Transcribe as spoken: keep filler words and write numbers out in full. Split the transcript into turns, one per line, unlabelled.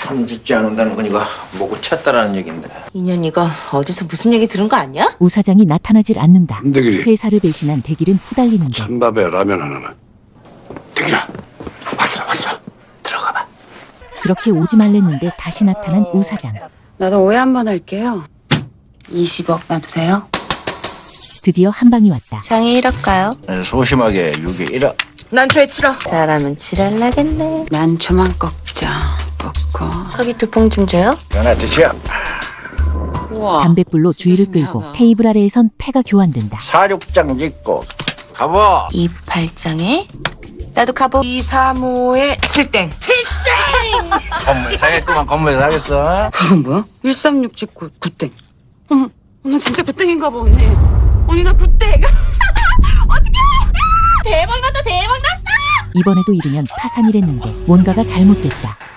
삼 주째 안 온다는 건 이거 뭐고 쳤다라는 얘긴데.
인연이가 어디서 무슨 얘기 들은 거 아니야?
우 사장이 나타나질 않는다.
김대길이
회사를 배신한 대길은 후달리는데
찬밥에 라면 하나만. 대길아, 왔어 왔어.
들어가 봐.
그렇게 오지 말랬는데 다시 나타난 우 사장.
나도 오해 한번 할게요. 이십억 놔도 돼요?
드디어 한 방이 왔다.
장이 일억가요?
소심하게 육에 일억.
난 초에 칠억. 잘하면 칠할라겠네.
난 초만 꺾자. 꺾어.
거기 두 봉 좀 줘요.
연아 드시오.
우와.
담뱃불로 주의를
진짜
끌고
신기하다.
테이블 아래에선 패가 교환된다.
사육장 짓고 가보.
이팔장에 나도 가보. 이삼오에 칠땡.
건물 사겠구만. 건물 사겠어.
그건 뭐야? 일삼육 찍고 구땡. 어머, 나 진짜 구땡인가 봐, 언니. 언니, 나 구땡. 어떡해! 대박 났다, 대박 났어!
이번에도 이르면 파산이랬는데 뭔가가 잘못됐다.